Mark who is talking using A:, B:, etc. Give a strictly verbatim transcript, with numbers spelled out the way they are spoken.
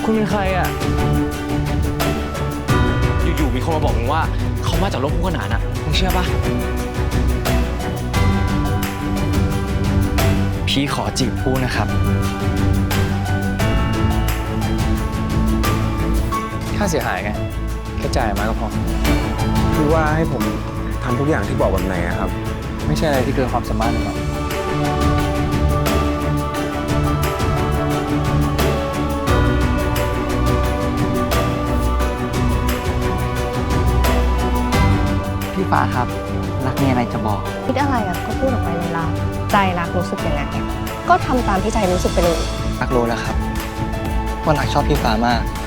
A: คุณเป็นใครอ่ะอยู่ๆมีคนมาบอกมึงว่าเขามาจากโลกคู่ขนานอ่ะมึงเชื่อปะพี่ขอจีบพูดนะครับค่าเสียหายไงแค่จ่ายมาก็พอ
B: คือว่าให้ผมทำทุกอย่างที่บอกแบบไหนอะครับ
A: ไม่ใช่อะไรที่เกินความสามารถหรอกพี่ฟ้าครับรักมีอะไรจะบอก
C: คิดอะไรอ่ะก็พูดออกไปเลยล่ะใจรักรู้สึกยังไงก็ทำตามที่ใจรู้สึกไปเลย
A: รักรู้แล้วครับว่ารักชอบพี่ฟ้ามาก